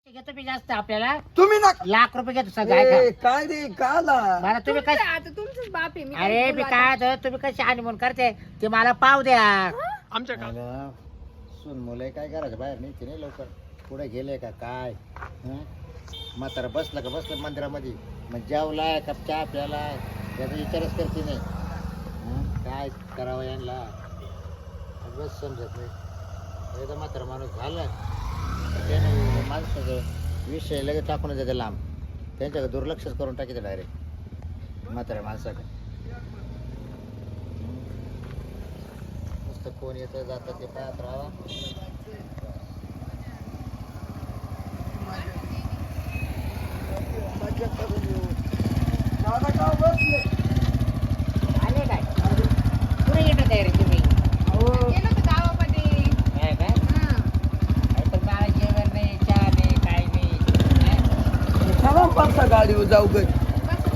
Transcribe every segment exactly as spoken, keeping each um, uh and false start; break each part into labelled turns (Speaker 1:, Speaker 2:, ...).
Speaker 1: घेतो मी जास्त आपल्याला
Speaker 2: तुम्ही ना
Speaker 1: लाख रुपये घेतो सगळं
Speaker 2: ए,
Speaker 1: ऐका.
Speaker 2: काय रे काला
Speaker 1: मला तुम्ही
Speaker 3: तुमचं
Speaker 1: काय
Speaker 3: आता तुमचंच बाप आहे मी
Speaker 1: अरे मी काय होतं, तुम्ही कशी हनीमून करते ते मला पाव द्या.
Speaker 4: आमच्या का
Speaker 5: अगं, सून मुलं काय करायचं बाहेर नाही ते नाही लवकर पुढे गेले का काय हं? म्हातारा बसलं का बसलं मंदिरामध्ये मग जेवलाय कप चहा प्यालाय त्याचा विचारच करते नाही हं? काय करावं यांना बस समजत नाही एकदा म्हातारा माणूस झाला त्याने माणसाचं विषय लगेच टाकून देते लांब त्यांच्याकडे दुर्लक्षच करून टाकीते डायरेक्ट म्हाताऱ्या माणसाकडे नुसतं कोण येतं जातं ते पाहत राहावा.
Speaker 2: मजा करून येऊ. दादा का बसले
Speaker 1: आले काय पुढे येतात आहे रे तुम्ही
Speaker 2: अहो
Speaker 3: गेलो होतो गावामध्ये
Speaker 1: काय काय
Speaker 3: हा.
Speaker 1: अरे पण मला जेवण नाही चहा नाही काय नाही हं?
Speaker 2: चला पाचसा गाडीवर जाऊ घरी
Speaker 3: बस.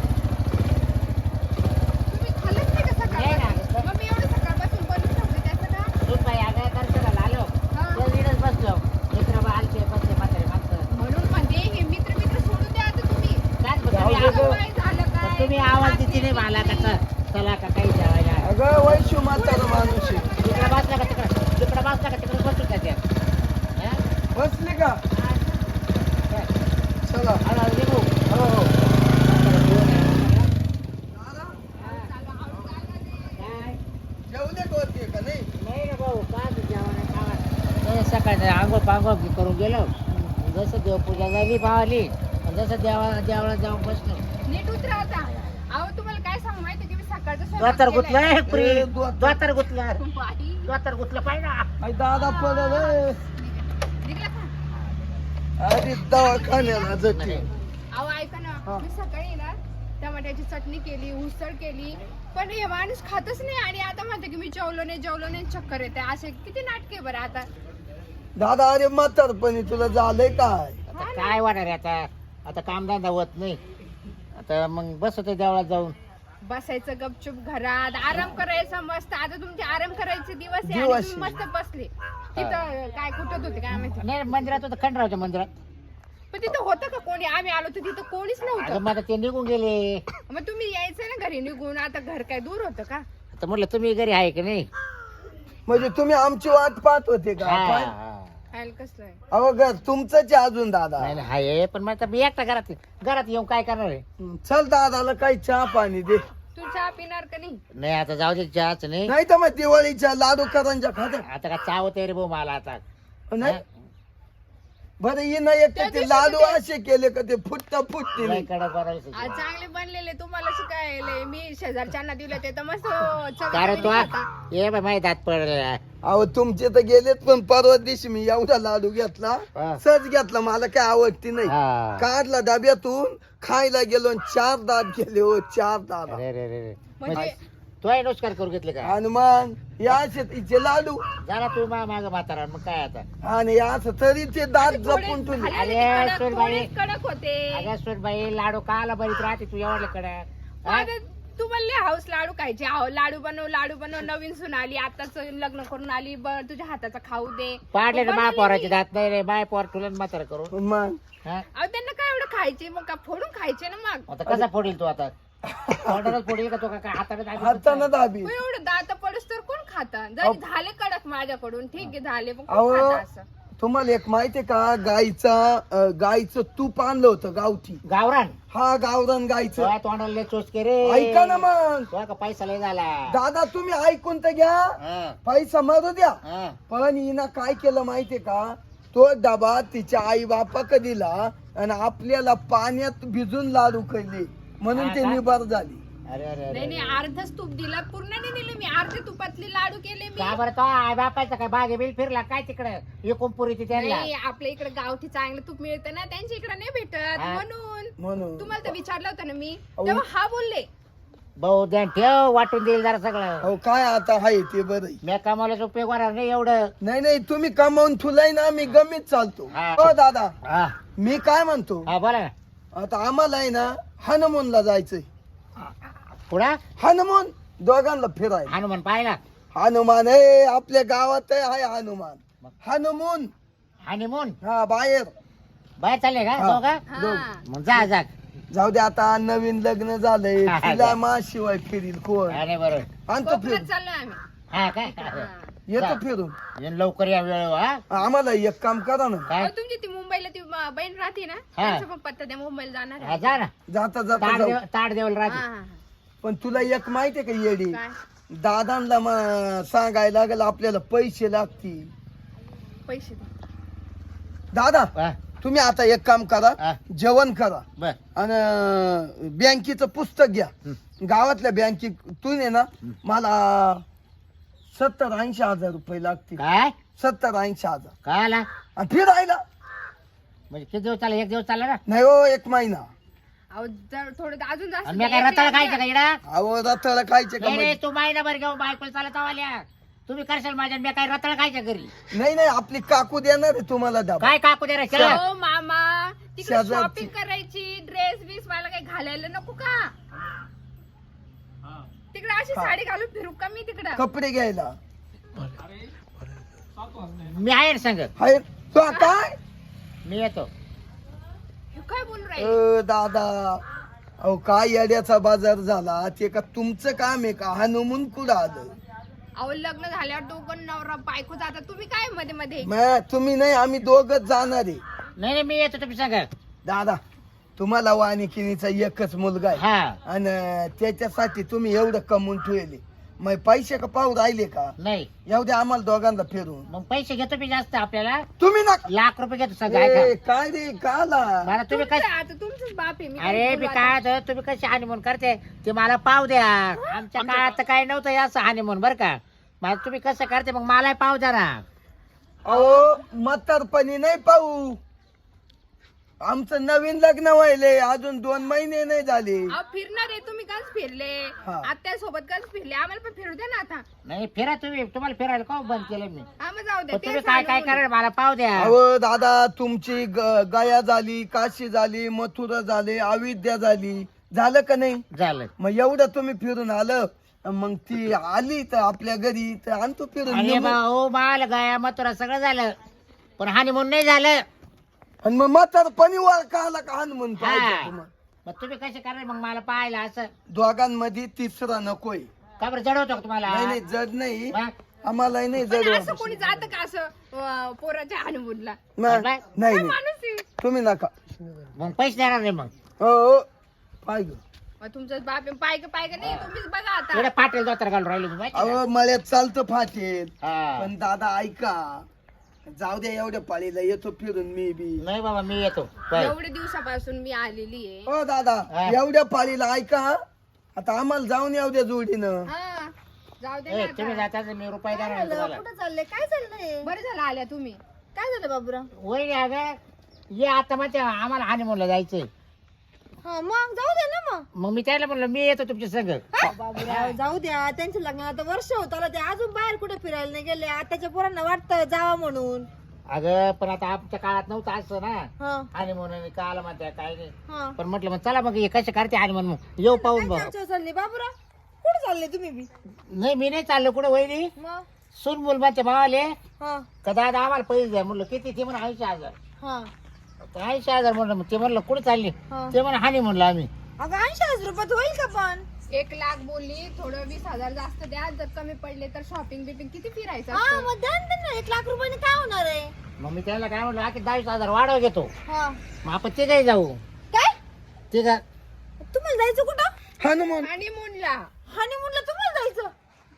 Speaker 3: तुम्ही खाल्लंच नाही का
Speaker 1: नाही ना.
Speaker 3: सकाळ मग मी एवढं सकाळपासून बनवून ठेवते त्याचं का
Speaker 1: तू बाई आगाय दर्शनाला आलो
Speaker 3: हा.
Speaker 1: त्या वीडच बसलो मित्र बा आलते बसले म्हातारे माणसं
Speaker 3: म्हणून म्हणजे हे मित्र मित्र सोडून द्या आता तुम्ही
Speaker 1: काय बघ,
Speaker 2: जाऊ
Speaker 1: तुम्ही
Speaker 2: दे
Speaker 1: आवाज-
Speaker 2: गं.
Speaker 3: काय झालं काय
Speaker 1: तुम्ही आवाज देते नाही मला का च- चला का काही जेवायला
Speaker 2: अगं वैशू म्हातारा माणूस आहे.
Speaker 1: तिकडे बसला का तिकडे तिकडे बसला का तिकडे बसून जाते हं?
Speaker 2: बसले का चला
Speaker 1: हळूहळू निघू.
Speaker 2: हो हो
Speaker 1: काय?
Speaker 2: जेवले का होते का नाही
Speaker 1: नाही रे भाऊ काय तू जेवण खावा नाही सकाळी आंघोळ पांघोळ करून गेलो जसं देवपूजा झाली पावली जसं देवा देवाला जाऊन बसलो
Speaker 3: नीट उतरा आता अहो तुम्हाला काय सांगू माहिती की मी सकाळचं
Speaker 1: द्वातर
Speaker 3: स्वयंपाक
Speaker 1: गुतलं
Speaker 3: केलाय.
Speaker 1: पुरी
Speaker 2: ए, द्वातर.
Speaker 1: द्वातर गुतलं
Speaker 3: बाई,
Speaker 1: द्वातर गुतलं पाहिजे ना
Speaker 2: आई दादा पडल ए.
Speaker 3: निघला का?
Speaker 2: अरे दवाखान्याला जाते
Speaker 3: अहो ऐका ना
Speaker 2: हा.
Speaker 3: मी सकाळी ना टमाट्याची चटणी केली उसळ केली पण हे माणूस खातच नाही आणि आता म्हणते की मी जेवलो नाही जेवलो नाही चक्कर येते असे किती नाटके बरं आता
Speaker 2: दादा अरे म्हातारपणी तुला झालंय काय
Speaker 1: आता काय होणार आहे आता आता कामधंदा होत नाही आता मग बस होते देवळात जाऊन
Speaker 3: बसायचं गपचूप घरात आराम करायचा मस्त आता तुमचे आराम करायचे दिवस आहे आणि
Speaker 2: दिवस
Speaker 3: तुम्ही मस्त बसले तिथं काय कुठत होते काय माहिती
Speaker 1: नाही मंदिरात होतं खंडरावच्या मंदिरात
Speaker 3: पण तिथं होतं का कोणी आम्ही आलो तर तिथं कोणीच
Speaker 1: अगं
Speaker 3: नव्हतं
Speaker 1: मग आता ते निघून गेले
Speaker 3: मग तुम्ही यायचं ना घरी निघून आता घर काय दूर होतं का
Speaker 1: आता म्हटलं तुम्ही घरी आहे की नाही
Speaker 2: म्हणजे तुम्ही आमची वाट पाहत होते का
Speaker 1: हा,
Speaker 2: काय?
Speaker 1: हा.
Speaker 3: खायला कसलं आहे
Speaker 2: अहो घर तुमचंच आहे अजून दादा
Speaker 1: नाही नाही, आहे पण मग आता मी एकटा घरात घरात येऊन काय करणार आहे
Speaker 2: हं, चल दादाला काही चहा पाणी दे
Speaker 3: तू चहा पिणार का नाही
Speaker 1: नाही आता जाऊ दे चहाच नाही
Speaker 2: नाही तर मग दिवाळीच्या लाडू करंजा खात
Speaker 1: आता का चावत आहे रे भाऊ मला आता
Speaker 2: नाही बरं ये ना एक
Speaker 3: त्या
Speaker 2: ते
Speaker 3: दिवशी
Speaker 2: लाडू
Speaker 3: ते-
Speaker 2: असे केले का ते फुटता फुटते
Speaker 1: लय कडक बनवायचं.
Speaker 3: आज चांगले बनलेले तुम्हाला शिकायले मी शेजारच्यांना दिले ते तर मस्त
Speaker 1: कारण तो
Speaker 3: चवीने खाता.
Speaker 1: ये बाय माझे दात पडले
Speaker 2: अहो तुमचे तर गेलेत पण परवा दिवशी मी एवढा लाडू घेतला
Speaker 1: हा.
Speaker 2: सहज घेतला मला काय आवडती नाही
Speaker 1: हा.
Speaker 2: काढला डब्यातून खायला गेलो आणि चार दात गेले हो चार दात
Speaker 1: अरे रे रे रे
Speaker 3: म्हणजे
Speaker 1: तो आहे नुसकार करू घेतले का
Speaker 2: आणि मग या असे तिचे लाडू
Speaker 1: झाला तू मा माग म्हातारा मग काय आता
Speaker 2: आणि असं तरी ते दात
Speaker 3: थोडे
Speaker 2: जपून तुम्ही
Speaker 3: झाले
Speaker 1: अरे,
Speaker 3: कडक,
Speaker 1: सोनबाई.
Speaker 3: थोडेच कडक होते
Speaker 1: अगं सोनबाई लाडू काला बरीत राहते तू एवढले कडक हा?
Speaker 3: आता तू म्हणले हाऊस लाडू खायचे हाव लाडू बनव लाडू बनव नवीन सून आली आताच लग्न करून आली ब- तुझ्या हाताचा खाऊ दे
Speaker 1: पाडले ना
Speaker 3: मग
Speaker 1: माय
Speaker 3: बनवली
Speaker 1: पोराचे
Speaker 3: मी.
Speaker 1: दात नाही रे माय पोर तुला म्हातारा करू
Speaker 2: मग
Speaker 1: हा?
Speaker 3: अहो त्यांना काय एवढं खायचे मग का फोडून खायचे ना मग
Speaker 1: आता कसा फोडील तू आता तोंडालाच फोडील का तो का काय हाताने दाबील?
Speaker 2: हातानं दाबी
Speaker 3: मग एवढं दात पडूस तर कोण खाता जरी झाले कडक माझ्याकडून ठीक आहे झाले पण
Speaker 2: अहो
Speaker 3: कोण खाता असं
Speaker 2: तुम्हाला एक माहितीये का गाईचा अं, गाईचं तूप आणलं होतं गावठी
Speaker 1: गावरान
Speaker 2: हा गावरान गाईचं
Speaker 1: तुझ्या तोंडाला लय चोचके रे
Speaker 2: ऐका ना मग
Speaker 1: तुझा का पैसा लय झाला
Speaker 2: दादा तुम्ही ऐकून तर घ्या
Speaker 1: हा,
Speaker 2: पैसा मारू द्या
Speaker 1: हा.
Speaker 2: पण हिनं काय केलं माहितीये का तो डबा तिच्या आई बापाक दिला आणि आपल्याला पाण्यात भिजून लाडू खाल्ले म्हणून
Speaker 1: हा
Speaker 2: ते
Speaker 1: का?
Speaker 2: निबार झाली
Speaker 1: अरे अरे अरे
Speaker 3: नाही नाही अर्धच तूप दिला पूर्ण नाही दिले मी अर्धे तुपातले लाडू केले मी
Speaker 1: का बरं तो आई बापायचा काय बागे बिल फिरला काय तिकडे एकूण पुरी ती त्यांना
Speaker 3: नाही आपल्या इकडे गावठी चांगलं तूप मिळतं ना त्यांच्या इकडे नाही भेटत
Speaker 1: हा.
Speaker 3: म्हणून
Speaker 2: म्हणून
Speaker 3: तुम्हाला तर विचारलं होतं ना मी
Speaker 2: अहो.
Speaker 3: तेव्हा हा बोलले
Speaker 1: भाऊ ध्यान ठेव वाटून देईल जरा सगळं
Speaker 2: अहो काय आता आहे ते बरं
Speaker 1: मी कमावल्याचा उपयोग होणार नाही एवढं
Speaker 2: नाही नाही तुम्ही कमावून ठुलाय ना मी गमीत चालतो
Speaker 1: हा.
Speaker 2: हो दादा
Speaker 1: हा
Speaker 2: मी काय म्हणतो
Speaker 1: हा बोला ना
Speaker 2: आता आम्हाला आहे ना हनुमूनला जायचंय
Speaker 1: पुढा
Speaker 2: हनुमान दोघांना फिराय
Speaker 1: हनुमान पाहिला
Speaker 2: हनुमान आहे आपल्या गावात आहे हनुमान हनुमान
Speaker 1: हनीमून
Speaker 2: हा बाहेर
Speaker 1: बाहेर चालले का
Speaker 2: हा.
Speaker 1: दोघं?
Speaker 3: हा.
Speaker 1: मग जा जा
Speaker 2: जाऊ दे आता नवीन लग्न झालंय
Speaker 1: हा, हा,
Speaker 2: तिला
Speaker 1: जा.
Speaker 2: मा शिवाय फिरील कोण
Speaker 1: अरे बरोबर
Speaker 2: आणतो
Speaker 3: कोकणात
Speaker 2: फिरून
Speaker 3: चाललोय आम्ही
Speaker 1: हा काय
Speaker 3: हा.
Speaker 2: येतो
Speaker 1: जा.
Speaker 2: फिरून
Speaker 1: ये लवकर या वेळ हा
Speaker 2: आम्हाला एक काम करा ना
Speaker 1: काय
Speaker 3: अहो, तुमची ती मुंबईला ती म- बहीण राहते ना त्यांचा पण पत्ता द्या मुंबईला जाणार
Speaker 1: हा,
Speaker 3: आहे.
Speaker 1: जा ना
Speaker 2: जाता जाता
Speaker 1: ताट
Speaker 2: जाऊ
Speaker 1: देव ताट देवला
Speaker 3: हा,
Speaker 1: राहते
Speaker 3: हा, हा.
Speaker 2: पण तुला एक माहितीये का येडी
Speaker 3: काय
Speaker 2: दादांना म- सांगायला लागेल आपल्याला पैसे लागतील
Speaker 3: पैसे द्या.
Speaker 2: दादा
Speaker 1: हा,
Speaker 2: तुम्ही आता एक काम करा
Speaker 1: हा.
Speaker 2: जेवण करा
Speaker 1: बर
Speaker 2: आणि बँकेचं पुस्तक घ्या गावातल्या बँकेतून आहे ना मला सत्तर ऐंशी हजार रुपये लागतील
Speaker 1: काय
Speaker 2: सत्तर ऐंशी हजार
Speaker 1: काय आला
Speaker 2: आणि फिरायला
Speaker 1: म्हणजे किती दिवस चालला एक दिवस चालला ना
Speaker 2: नाही हो एक महिना
Speaker 3: अहो जर थोडं अजून जास्त
Speaker 1: आणि मी
Speaker 3: द्या.
Speaker 1: काय
Speaker 3: एक
Speaker 1: रताळ
Speaker 3: लाख
Speaker 1: खायचं
Speaker 3: द्या.
Speaker 1: का इडा
Speaker 2: अहो रताळ खायचे का
Speaker 1: नाही नाही
Speaker 2: म्हणजे?
Speaker 1: तू महिनाभर घेऊन बायकोला चालत आल्या तुम्ही करशाल माझ्या मी काय रताळ खायच्या घरी
Speaker 2: नाही नाही आपली काकू देणार आहे तुम्हाला डबा
Speaker 1: काय काकू दे रे चला
Speaker 3: हो मामा तिकडे
Speaker 2: शेजारची.
Speaker 3: शॉपिंग करायची ड्रेस बीस मला काही घालायला नको का तिकडे अशी
Speaker 2: हा.
Speaker 3: साडी घालून फिरू का मी तिकडं
Speaker 2: कपडे घ्यायला
Speaker 1: मी आहे ना संग
Speaker 2: हाय तो काय
Speaker 1: मी येतो
Speaker 3: हे काय बोलू राहिले
Speaker 2: अ, दादा अहो काय येड्याचा बाजार झाला ते का तुमचं काम आहे का हनुमून कुठं आलं
Speaker 3: अहो लग्न झाल्यावर दोघं नवरा बायको जातात तुम्ही काय मध्ये मध्ये
Speaker 2: मॅ तुम्ही नाही आम्ही दोघच जाणार आहे
Speaker 1: नाही नाही मी येतो तुम्ही सांगा
Speaker 2: दादा तुम्हाला वानिकिनीचा एकच मुलगा आहे
Speaker 1: हा
Speaker 2: आणि त्याच्यासाठी तुम्ही एवढं कमवून ठेवले मग पैसे का पाहू राहिले का
Speaker 1: नाही
Speaker 2: येऊ द्या आम्हाला दोघांना फिरून
Speaker 1: मग पैसे घेतो मी जास्त आपल्याला
Speaker 2: तुम्ही ना
Speaker 1: लाख रुपये घेतो सगळं
Speaker 2: ए,
Speaker 1: ऐका.
Speaker 2: काय रे काला
Speaker 1: मला तुम्ही
Speaker 3: तुमचं
Speaker 1: कस
Speaker 3: आता तुमचंच बाप आहे मी
Speaker 1: अरे
Speaker 3: काय
Speaker 1: मी
Speaker 3: बोलू
Speaker 1: काय
Speaker 3: आता?
Speaker 1: होतं, तुम्ही कशी हानिमून करते ते मला पाव द्या आमच्या काळात तर काय नव्हतं हे असं हानिमून बरं का मला तुम्ही कसं करते मग मला पाव द्या ना
Speaker 2: अहो म्हातारपणी नाही पाहू आमचं नवीन लग्न व्हायले अजून दोन महिने नाही झाले
Speaker 3: अहो फिरणार आहे तुम्ही काच फिरले
Speaker 2: हा.
Speaker 3: आत्या सोबत काच फिरले आम्हाला पण फिरू द्या ना आता
Speaker 1: नाही फिरा तुम्ही तुम्हाला फिरायला का बंद केलं मी
Speaker 3: हा मग जाऊ द्या
Speaker 1: पण तुम्ही
Speaker 3: तेच
Speaker 1: काय काय
Speaker 3: सांगू
Speaker 1: करा मला पाव द्या
Speaker 2: अहो दादा तुमची ग- गया झाली काशी झाली मथुरा झाली अविद्या झाली झालं का नाही
Speaker 1: झालं
Speaker 2: मग एवढं तुम्ही फिरून आलं मग ती आली तर आपल्या घरी तर आणतो फिरून
Speaker 1: अरे
Speaker 2: निघू.
Speaker 1: भाऊ माल गाया मथुरा सगळं झालं पण हानिमून नाही झालं
Speaker 2: आणि मग म्हातारपणी वर का आला का हनुमान
Speaker 1: हा.
Speaker 2: पाहिजे तुम्हाला?
Speaker 1: मग तुम्ही कसे करा मग मला पाहायला असं
Speaker 2: दोघांमध्ये तिसरा नकोय
Speaker 1: का बरं जडवतो का तुम्हाला
Speaker 2: नाही नाही जड नाही
Speaker 1: मग?
Speaker 2: आम्हाला नाही
Speaker 3: पण
Speaker 2: जड
Speaker 3: असं कोणी जात का असं अं, पोराच्या हनुमूनला
Speaker 2: नाही
Speaker 1: काय?
Speaker 2: नाही
Speaker 3: काय
Speaker 2: नाही.
Speaker 3: माणूस आहे
Speaker 2: तुम्ही नका
Speaker 1: मग पैसे देणार नाही मग
Speaker 2: हो हो पाहिजे
Speaker 3: मग तुमचं बाप आहे, पाय का पाय का नाही तुम्हीच बघा आता
Speaker 1: एवढे पाटील दोतर घालून राहिले तुम्ही माहिती
Speaker 2: अहो मळ्यात चालतं फाटेल
Speaker 1: का? हा.
Speaker 2: पण दादा ऐका जाऊ द्या एवढ्या पाळीला येतो फिरून मी बी
Speaker 1: नाही बाबा मी येतो बाय.
Speaker 3: एवढे दिवसापासून मी आलेली आहे
Speaker 2: हो दादा
Speaker 1: हा.
Speaker 2: एवढ्या पाळीला ऐका आता आम्हाला जाऊन येऊ द्या जोडीनं
Speaker 3: हा जाऊ दे
Speaker 1: ए,
Speaker 3: ना
Speaker 1: तुम्ही
Speaker 3: आता.
Speaker 1: जाता मी रुपये देणार नाही तुम्हाला
Speaker 4: कुठं चाललंय काय चाललंय
Speaker 3: बरं झालं आल्या तुम्ही
Speaker 4: काय झालं बाबूराव
Speaker 1: वय अगं ये आता मग आम्हाला हानिमूनला जायचंय
Speaker 4: हा मग जाऊ दे ना मग
Speaker 1: मग मी त्याला म्हणलं मी येतो तुमच्या संग
Speaker 4: बाबूराव जाऊ द्या त्यांच्या लग्नाला आता वर्ष होत आलं ते अजून बाहेर कुठे फिरायला नाही गेले आताच्या पोरांना वाटतं जावं म्हणून
Speaker 1: अगं पण आता आमच्या काळात नव्हतं असं ना
Speaker 4: हा
Speaker 1: हानिमून आणि काल म्हणत्या काय नाही
Speaker 4: हा
Speaker 1: पण म्हटलं मग चला मग हे कसे करते हानिमून मग येऊ पाहून
Speaker 4: काय
Speaker 1: बघ
Speaker 4: चर्चा चालली बाबूराव कुठे चालले तुम्ही बी
Speaker 1: नाही मी नाही चाललो कुठं वहिनी
Speaker 4: मग
Speaker 1: सून बोल म्हणते मावाले
Speaker 4: हा
Speaker 1: का दादा आम्हाला पैसे द्या म्हणलं किती ते म्हणून ऐंशी हजार
Speaker 4: हा
Speaker 1: तर ऐंशी हजार म्हणलं मग ते म्हणलं कुठे चालली
Speaker 4: हा.
Speaker 1: ते म्हणून हानी म्हणलं आम्ही
Speaker 4: अगं ऐंशी हजार रुपयात होईल का पण
Speaker 3: एक लाख बोलली थोडं वीस हजार जास्त द्या जर कमी पडले तर शॉपिंग बिपिंग किती फिरायचं
Speaker 4: हा
Speaker 3: असतं?
Speaker 4: मग द्या ना त्यांना एक लाख रुपयाने काय होणार आहे
Speaker 1: मग मी त्याला काय म्हटलं की दहावीस हजार वाढव घेतो
Speaker 4: हा
Speaker 1: मग आपण ते काही जाऊ
Speaker 4: काय
Speaker 1: ते का
Speaker 4: तुम्हाला जायचं कुठं
Speaker 2: हनुमान
Speaker 3: हनीमूनला
Speaker 4: हनीमूनला तुम्हाला जायचं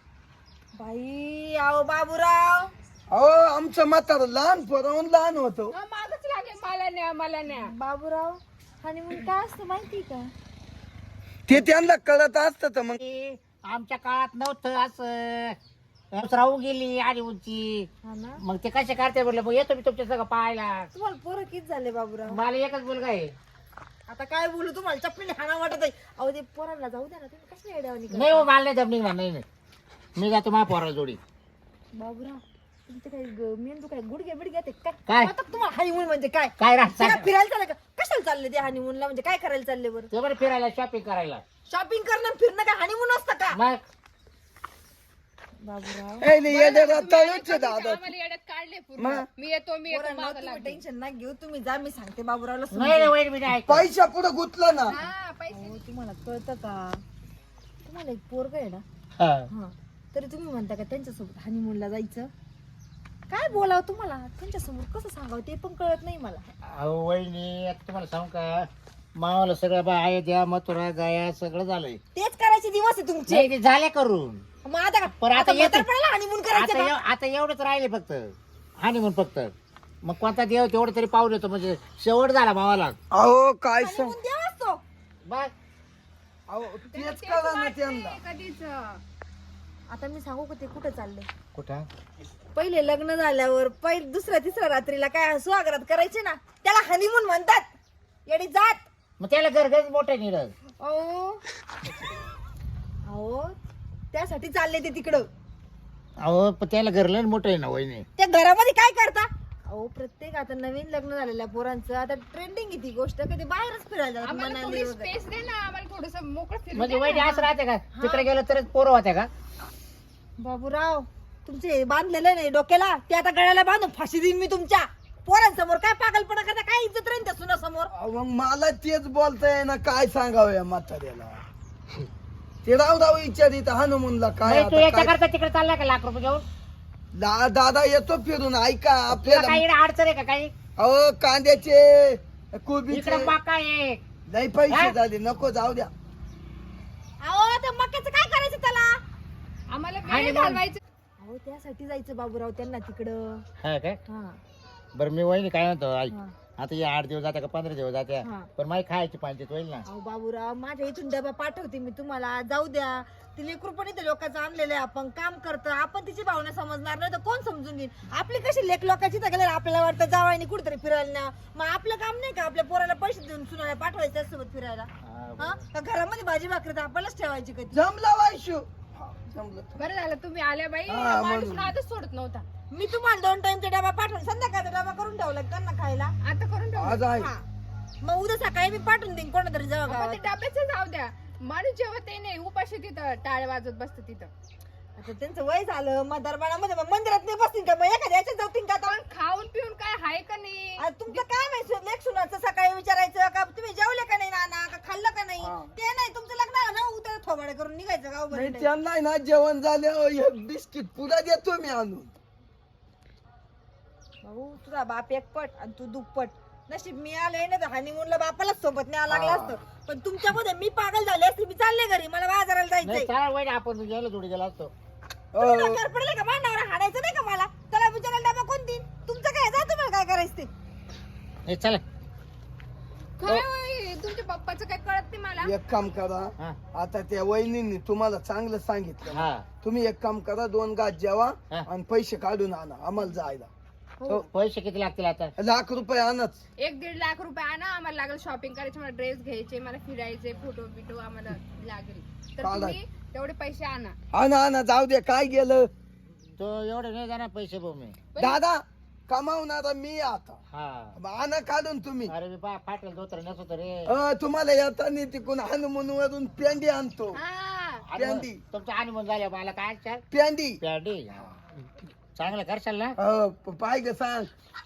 Speaker 4: बाई आहो बाबूराव
Speaker 2: अहो आमचं म्हातार लहान पोराहून लहान होतो
Speaker 3: हा, मागच लागेल मला न्या मला न्या
Speaker 4: बाबूराव हनीमून काय असतं माहिती का
Speaker 2: ते त्यांना कळत असत तर मग
Speaker 1: ते आमच्या काळात नव्हतं असं राहू गेली आणि उंची
Speaker 4: हा ना
Speaker 1: मग ते कसे करते बोलले मग येतो मी तुमच्या सगळं पाहायला
Speaker 4: तुम्हाला पोरं किती झाले बाबूराव
Speaker 1: मला एकच मुलगा आहे
Speaker 4: आता काय बोलू तुम्हाला चपलीने हाणा वाटत आहे अहो ते पोरांना जाऊ द्या ना तुम्ही कसं येड्यावानी करता?
Speaker 1: नाही हो मला नाही जमणी नाही नाही मी जातो मा पोरा जोडी
Speaker 4: बाबूराव तुमचं काय ग- मेंदू काय गुडघे बिडघे ते काय
Speaker 1: काय?
Speaker 4: आता तुम्हाला हनीमून म्हणजे काय
Speaker 1: काय
Speaker 4: ते
Speaker 1: राहत
Speaker 4: काय फिरायला चाललं का कशाला चालले ते हनीमूनला म्हणजे काय करायला चालले बरं
Speaker 1: ते बरं फिरायला शॉपिंग करायला
Speaker 4: शॉपिंग करणं आणि फिरणं काय हनीमून असतं का
Speaker 1: मग
Speaker 4: बाबूराव
Speaker 2: ए, नाही, येड्याला
Speaker 3: तुम्ही आले
Speaker 2: तळूच
Speaker 3: कधीच
Speaker 2: दादा
Speaker 3: आम्हाला येड्यात काढले पूर्ण
Speaker 2: मग?
Speaker 3: मी येतो मी येतो
Speaker 4: पोरांनो,
Speaker 3: मागं
Speaker 4: तुम्ही
Speaker 3: लागले.
Speaker 4: टेन्शन ना घेऊ तुम्ही जा मी सांगते बाबूरावला
Speaker 1: नाही रे
Speaker 4: समजून.
Speaker 1: वैर मी नाही ऐकत.
Speaker 2: पैसा पुढे गुतला ना
Speaker 3: हा पैसे
Speaker 4: अहो, तुम्हाला कळतं का तुम्हाला एक पोरग आहे ना
Speaker 1: हा.
Speaker 4: हा तरी तुम्ही म्हणता का त्यांच्यासोबत हनीमूनला जायचं काय बोलावं तुम्हाला त्यांच्यासमोर कसं सांगावं ते पण कळत नाही मला.
Speaker 1: अहो वहिनी आता तुम्हाला सांगू का मावाला सगळं बा आहे द्या मथुरा गाया सगळं झालंय
Speaker 4: तेच करायचे दिवस आहे तुमचे.
Speaker 1: नाही ते झाले करून
Speaker 4: मग आता का
Speaker 1: पण आता येते.
Speaker 4: हनीमून करायचं
Speaker 1: आता
Speaker 4: का?
Speaker 1: एव- आता एवढंच राहिले फक्त हानिमून फक्त मग कोणता देव तेवढं तरी पाहून येतो म्हणजे शेवट झाला मावाला
Speaker 2: अहो काय सांग
Speaker 4: हनीमून द्यावाच तो.
Speaker 1: बघ
Speaker 2: अहो तेच करा ना त्यांना
Speaker 3: कधीच
Speaker 4: आता मी सांगू का ते कुठे चालले.
Speaker 1: कुठं
Speaker 4: पहिले लग्न झाल्यावर पहिले दुसऱ्या तिसऱ्या रात्रीला काय सुहागरात करायचे ना त्याला हनीमून म्हणतात. येडी जात.
Speaker 1: मग त्याला गरगच मोठे निरज
Speaker 4: अहो अहो त्यासाठी चालले ते तिकडं.
Speaker 1: अहो पण त्याला घरलं मोठं आहे ना वहिनी
Speaker 4: त्या घरामध्ये काय करता. अहो प्रत्येक आता नवीन लग्न झालेल्या पोरांचं आता ट्रेंडिंग आहे ती गोष्ट कधी बाहेरच फिरायला जातात
Speaker 3: आम्हाला
Speaker 4: मनाली
Speaker 3: थोडी
Speaker 4: वगैरे.
Speaker 3: स्पेस दे ना आम्हाला थोडस मोकळं फिरू
Speaker 1: म्हणजे
Speaker 3: दे
Speaker 1: वहिनी
Speaker 3: ना.
Speaker 1: असं राहते का तिकडे गेलं तरच पोरं होत्या का
Speaker 4: बाबूराव तुमचे बांधलेले नाही डोक्याला ते आता गळ्याला बांधून फाशी देईन मी तुमच्या पोरांसमोर. काय पागलपणा करता काय इज्जत राहील त्या सुनासमोर.
Speaker 2: अहो, मग मला तेच बोलताय ना काय सांगावं या म्हाताऱ्याला ते राव राव विचारित हनुमूनला काय
Speaker 1: नाही, तू
Speaker 2: आता
Speaker 1: याच्या
Speaker 2: काय
Speaker 1: करता तिकडे चालला का लाख रुपये घेऊन
Speaker 2: ला दादा येतो फिरून ऐका
Speaker 1: तुला
Speaker 2: आपल्याला
Speaker 1: काही अडचण आहे का काही
Speaker 2: अहो कांद्याचे कोबीचे
Speaker 1: इकडे मका आहे
Speaker 2: नाही पैसे
Speaker 1: हा?
Speaker 2: झाले नको जाऊ द्या
Speaker 4: अहो त्या मक्याचं काय करायचं त्याला.
Speaker 3: आम्हाला
Speaker 1: आणि
Speaker 3: वेळ
Speaker 1: मग-
Speaker 3: घालवायचं
Speaker 4: अहो त्यासाठी जायचं बाबूराव त्यांना तिकडं.
Speaker 1: हा काय
Speaker 4: हा
Speaker 1: बरं मी वहिनी काय म्हणतो ऐक
Speaker 4: हा.
Speaker 1: आता हे आठ दिवस जात्या का पंधरा दिवस जात्या
Speaker 4: हा.
Speaker 1: पण माही खायची पंचायत होईल ना
Speaker 4: अहो बाबूराव माझ्या इथून डबा पाठवते मी तुम्हाला जाऊ द्या. ती लेकरू पण इथे लोकांचं आणलेलं आहे आपण काम करतो आपण तिची भावना समजणार नाही तर कोण समजून घेईल. आपली कशी लेख लोकांची तर गेल्यावर आपल्याला वाटतं जावायनी कुठेतरी फिरायला ना मग आपलं काम नाही का आपल्या पोराला पैसे देऊन सुनाला पाठवायचं त्यासोबत फिरायला.
Speaker 1: हा,
Speaker 4: हा का घरामध्ये भाजी भाकरी तर आपल्यालाच ठेवायची कधी.
Speaker 2: जमला वायशू हा, जमलं
Speaker 3: बरं झालं तुम्ही आल्या बाई
Speaker 2: हा,
Speaker 3: माणूस
Speaker 2: म्हणून.
Speaker 3: नादच सोडत नव्हता
Speaker 4: मी तुम्हाला दोन टाइमचा डबा पाठवून संध्याकाळचा डबा करून ठेवला त्यांना खायला.
Speaker 3: आता करून ठेवलं.
Speaker 2: आज आहे
Speaker 4: हा मग उद्या सकाळी मी पाठवून देईन कोणातरी जेव्हा
Speaker 3: आपण
Speaker 4: गावात.
Speaker 3: ते डब्याचं जाऊ द्या माणूस जेव्हा ते नाही उपाशी तिथं टाळ वाजत बसतं तिथं
Speaker 4: आता त्यांचं वय झालं मतदारपणामध्ये मग मंदिरात नाही बसतील का मग एखाद्या याच्यात जातील का आता.
Speaker 3: पण खाऊन पिऊन काय हाय का नाही
Speaker 4: आता तुमचं काय माहिती लेख सुनाचं सकाळी विचारायचं का तुम्ही जेवले का नाही नाना का खाल्लं का नाही
Speaker 2: हा.
Speaker 4: ते नाही तुमचं लग्न आहे ना उद्या थोबाडे करून निघायचं गाव
Speaker 2: नाही
Speaker 4: बरं.
Speaker 2: त्यांना ना जेवण झालं एक बिस्किट पुढे देतो मी आणून
Speaker 4: भाऊ तुझा बाप एकपट आणि तू दुप्पट. नशीब मी आले ना तर हनीमूनला बापालाच सोबत न्यावं लागलं असतं पण तुमच्यामध्ये मी पागल झाले असते मी चालले घरी मला बाजाराला
Speaker 1: नाही
Speaker 4: जायचंय.
Speaker 1: चला वहिनी आपण गेलो जोडी गेला असतो
Speaker 4: तुम्ही डोक्यावर पडले का मांडावर हाणायचं नाही का मला त्याला विचारायला डबा कोण देईन तुमचं काय जा तुम्हाला काय करायचं ते.
Speaker 1: हे चला
Speaker 3: काय होय, तुमच्या पप्पाचं काय कळत नाही मला
Speaker 2: एक काम करा
Speaker 1: हा
Speaker 2: आता त्या वहिनींनी तुम्हाला चांगलं सांगितलं
Speaker 1: हा
Speaker 2: तुम्ही एक काम करा दोन गाज जेवा
Speaker 1: हा.
Speaker 2: आणि पैसे काढून आणा आम्हाला जायला हो.
Speaker 1: पैसे किती लागतील आता
Speaker 2: लाख रुपये आणच
Speaker 3: एक दीड लाख रुपये आणा आम्हाला लागेल शॉपिंग करायचे मला ड्रेस घ्यायचे मला फिरायचे फोटो बिटो आम्हाला लागेल तर
Speaker 2: चालेल.
Speaker 3: तुम्ही तेवढे पैसे आणा
Speaker 2: आणा आणा जाऊ दे काय गेलं
Speaker 1: तो एवढे नाही जाणार पैसे भाऊ मी
Speaker 2: दादा कमावणारा मी आता
Speaker 1: हा
Speaker 2: आणा काढून तुम्ही
Speaker 1: अरे मी बा फाटेल धोतर नसतो रे
Speaker 2: अ, तुम्हाला येताना तिकून हनुमान वरून पेंडी आणतो
Speaker 3: हा
Speaker 2: प्यांदी.
Speaker 1: तुमचा हानिमून झाल्या मला काय चाल
Speaker 2: पेंडी
Speaker 1: प्याडी चांगलं करशाल ना
Speaker 2: अ, प- पाय ग सांग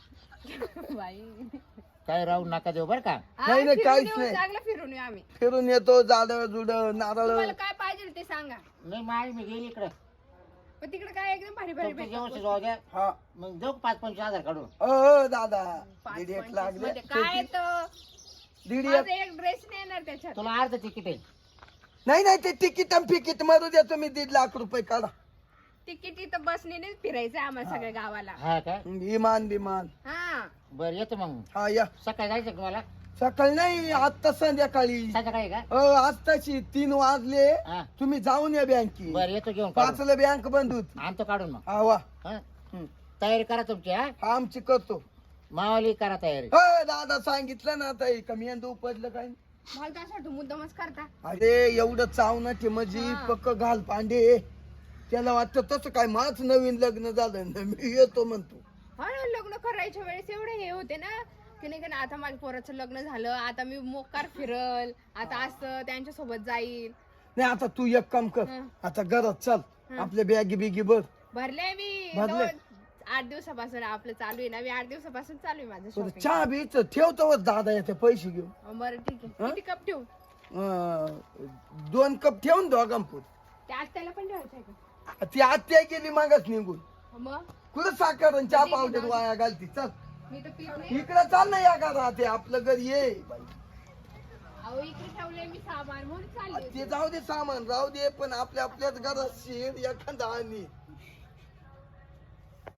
Speaker 3: बाई
Speaker 1: काय राहू नका देऊ बरं का
Speaker 3: हा,
Speaker 2: नाही, नाही,
Speaker 3: फिरून
Speaker 2: काहीच
Speaker 3: येऊ,
Speaker 2: नाही.
Speaker 3: चांगलं फिरून येऊ आम्ही
Speaker 2: फिरून येतो झाड जुड नारळ
Speaker 3: तुम्हाला काय पाहिजे ते सांगा
Speaker 1: नाही माय मी गेली इकडे
Speaker 3: पण तिकडे काय एकदम भारी भारी
Speaker 1: तुमचं
Speaker 3: भेटतात
Speaker 1: जेवण जाऊ द्या
Speaker 2: हा
Speaker 1: मग देऊ पाच पंचवीस हजार काढून
Speaker 2: अ अ, दादा
Speaker 3: पाच
Speaker 2: दीड एक
Speaker 3: पंचवीस
Speaker 2: लागले
Speaker 3: मध्ये काय येतं
Speaker 2: दीड
Speaker 3: माझं
Speaker 2: एक
Speaker 3: एक ड्रेस नाही येणार त्याच्यात
Speaker 1: तुला अर्ध तिकीट आहे
Speaker 2: नाही नाही ते तिकीट फिकीट मरू द्या तुम्ही दीड लाख रुपये काढा
Speaker 3: तिकीट इथं बसने नाही फिरायचं आम्हाला सगळ्या गावाला
Speaker 1: हा काय
Speaker 2: विमान बिमान
Speaker 3: हा
Speaker 1: बर येतो मग
Speaker 2: हा या
Speaker 1: सकाळी जायचं का तुम्हाला
Speaker 2: सकाळी नाही आता संध्याकाळी
Speaker 1: संध्याकाळी का
Speaker 2: अ आत्ताची तीन वाजले
Speaker 1: हा
Speaker 2: तुम्ही जाऊन या बँकेत
Speaker 1: बर येतो घेऊन काढून.
Speaker 2: पाचला बँक बंद होती
Speaker 1: आणतो काढून मग
Speaker 2: हा वा
Speaker 1: हा
Speaker 2: हं.
Speaker 1: तयारी करा तुमची हा
Speaker 2: हा आमची करतो
Speaker 1: मावाली करा तयारी
Speaker 2: अ, दादा सांगितलं ना आता का मेंदू उपजलं काय
Speaker 3: मला तर असं वाटतं मुद्दामच करता
Speaker 2: अरे एवढं चावना मजी
Speaker 3: हा.
Speaker 2: पक्क घाल पांडे त्याला वाटतं तसं काय माझ नवीन लग्न झालं ना मी येतो म्हणतो
Speaker 3: हा ना लग्न करायच्या वेळेस एवढे हे होते ना की नाही का ना, आता माझ्या पोराचं लग्न झालं आता मी मोकार फिरल आता असं त्यांच्या सोबत जाईल
Speaker 2: नाही आता तू एक काम कर
Speaker 3: हं.
Speaker 2: आता घरात चल आपल्या बॅगी बिगी भर.
Speaker 3: भरले मी
Speaker 2: भरले?
Speaker 3: दोन- आठ दिवसापासून आपलं चालू आहे ना, मी आठ दिवसापासून चालू आहे माझं
Speaker 2: बरं,
Speaker 3: शॉपिंग.
Speaker 2: चहा बीच ठेवतो दादा येते पैसे घेऊन.
Speaker 3: बरं ठीक आहे.
Speaker 2: हा?
Speaker 3: किती कप ठेवू?
Speaker 2: अं, दोन कप ठेवून दोघांपूर.
Speaker 3: त्या आत्याला पण ठेवायचं आहे का?
Speaker 2: ती आत्या गेली मागच निघून.
Speaker 3: मग
Speaker 2: कुठं साखर आणि चहा
Speaker 3: ठीक आहे,
Speaker 2: पावडर
Speaker 3: जाऊ.
Speaker 2: वाया घालती. चल
Speaker 3: मी तर पित नाही.
Speaker 2: इकडे चाल ना या का राहते आपलं घर ये बाई.
Speaker 3: अहो इकडे ठेवलंय मी सामान म्हणून चालली
Speaker 2: ते
Speaker 3: होती.
Speaker 2: जाऊ दे सामान राहू दे, पण आपल्या आपल्याच घरात शेर एखादा आणि